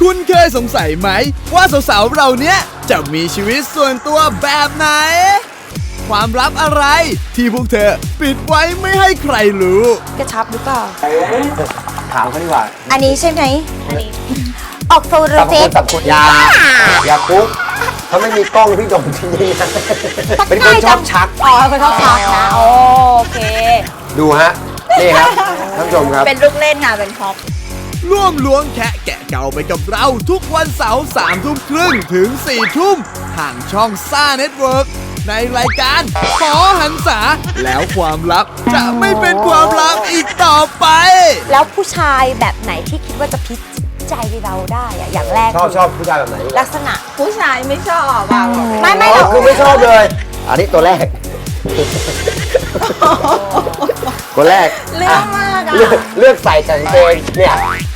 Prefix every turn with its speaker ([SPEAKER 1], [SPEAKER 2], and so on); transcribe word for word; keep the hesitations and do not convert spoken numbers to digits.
[SPEAKER 1] คุณเคยสงสัยไหมว่าสาวๆเราเนี้ยจะมีชีวิตส่วนตัวแบบไหน ความลับอะไรที่พวกเธอปิดไว้ไม่ให้ใครรู้
[SPEAKER 2] กระชับหรือเปล่า
[SPEAKER 3] ถามเขาดีกว่า
[SPEAKER 2] อันนี้ใช่ไหมอันนี้ ออกโฟโต
[SPEAKER 3] สับ
[SPEAKER 2] เฟ
[SPEAKER 3] คุ
[SPEAKER 2] ก
[SPEAKER 3] ณสับคุณยาอย่าปุ๊บถ้าไม่มีกล้องพี่โดนทีนี้นะเป็นคนชอบชัก
[SPEAKER 2] อ๋อเป็นคนชอบชักนะโอเค
[SPEAKER 3] ดูฮะ นี่ครับท่านผู้ชมครับ
[SPEAKER 2] เป็นลูกเล่นค่ะเป็นพ็อป
[SPEAKER 1] ร่วมล้วงแคะแกะเก่าไปกับเราทุกวันเสาร์สามทุ่มครึ่งถึงสี่ทุ่มทางช่องซ่าเน็ตเวิร์กในรายการขอหันษาแล้วความลับจะไม่เป็นความลับอีกต่อไป
[SPEAKER 2] แล้วผู้ชายแบบไหนที่คิดว่าจะพิจิตใจเราได้อะอย่างแรก
[SPEAKER 3] ชอบชอบผู้ชายแบบไหน
[SPEAKER 2] ลักษณะ
[SPEAKER 4] ผู้ชายไม่ชอบอ่ะ
[SPEAKER 2] ไม่ไม่
[SPEAKER 3] อ๋
[SPEAKER 2] หร
[SPEAKER 3] อ
[SPEAKER 2] อก
[SPEAKER 3] คือไม่ชอบเลย อันนี้ตัวแรก ตัวแรก
[SPEAKER 4] เรื่องมากอ่ะ
[SPEAKER 3] เลือกเลือกใส่กางเกงเนี่ย